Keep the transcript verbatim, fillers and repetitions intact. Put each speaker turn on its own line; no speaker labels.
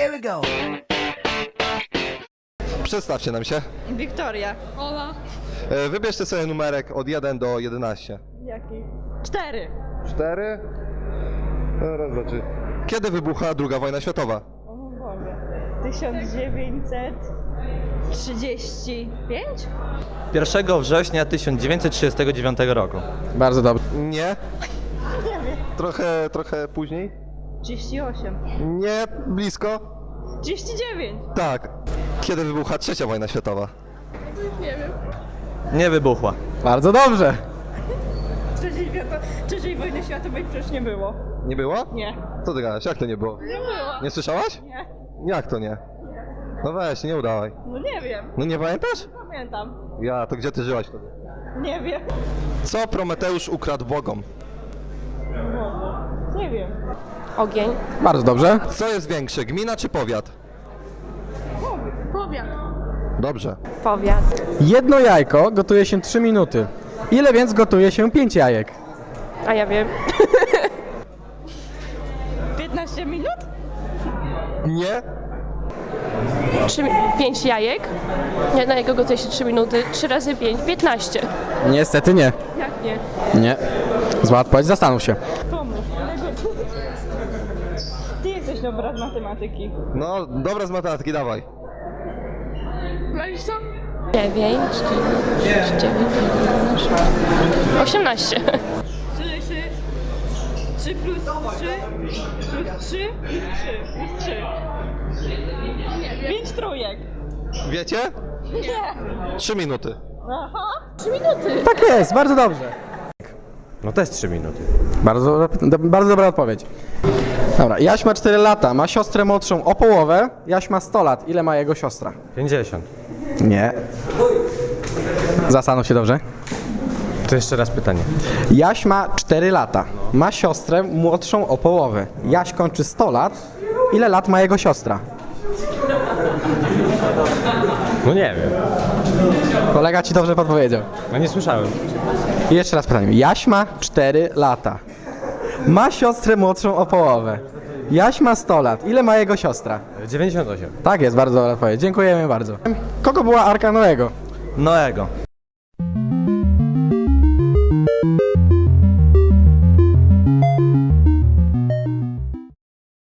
Here we go.
Przedstawcie nam się.
Wiktoria.
Ola.
E, Wybierzcie sobie numerek od jeden do jedenastu.
Jaki? Cztery.
cztery. Raz, dwa, trzy. Kiedy wybucha druga wojna światowa?
O mój Boże. tysiąc dziewięćset trzydzieści pięć?
pierwszego września tysiąc dziewięćset trzydziestego dziewiątego roku.
Bardzo dobrze.
Nie.
Nie wiem.
Trochę, trochę później?
trzydzieści osiem.
Nie, blisko.
trzydzieści dziewięć.
Tak. Kiedy wybucha trzecia wojna światowa?
Nie wybuchła.
Bardzo dobrze.
Trzeciej, świato... Trzeciej wojny światowej przecież nie było.
Nie było?
Nie.
Co ty gadasz? Jak to nie było?
Nie było.
Nie słyszałaś?
Nie.
Jak to nie? No weź, nie udawaj.
No nie wiem.
No nie pamiętasz?
Pamiętam.
Ja, to gdzie ty żyłaś wtedy?
Nie wiem.
Co Prometeusz ukradł bogom?
Nie wiem.
Ogień.
Bardzo dobrze.
Co jest większe, gmina czy powiat?
Powiat.
Dobrze.
Powiat.
Jedno jajko gotuje się trzy minuty. Ile więc gotuje się pięć jajek?
A ja wiem.
piętnaście minut?
Nie?
Trzy, pięć jajek. Nie, na jego gotuje się trzy minuty. Trzy razy pięć. piętnaście.
Niestety nie.
Jak nie?
Nie. Zła odpowiedź, zastanów się.
Pomóż. Ty jesteś dobra z matematyki.
No, dobra z matematyki, dawaj.
Dziewięć, dziewięć, dziewięć, osiemnaście.
trzy, trzy. trzy plus trzy. Plus trzy. Plus trzy. pięć trójek.
Wiecie?
Nie.
Trzy minuty.
Aha.
Trzy minuty.
Tak jest, bardzo dobrze.
No to jest trzy minuty.
Bardzo, do, bardzo dobra odpowiedź. Dobra, Jaś ma cztery lata, ma siostrę młodszą o połowę. Jaś ma sto lat. Ile ma jego siostra?
pięćdziesiąt.
Nie. Zastanów się dobrze.
To jeszcze raz pytanie.
Jaś ma cztery lata, ma siostrę młodszą o połowę. Jaś kończy sto lat. Ile lat ma jego siostra?
No nie wiem.
Kolega ci dobrze podpowiedział.
No nie słyszałem.
I jeszcze raz pytanie. Jaś ma cztery lata. Ma siostrę młodszą o połowę. Jaś ma sto lat. Ile ma jego siostra?
dziewięćdziesiąt osiem.
Tak jest, bardzo dobra odpowiedź. Dziękujemy bardzo. Kogo była Arka Noego?
Noego.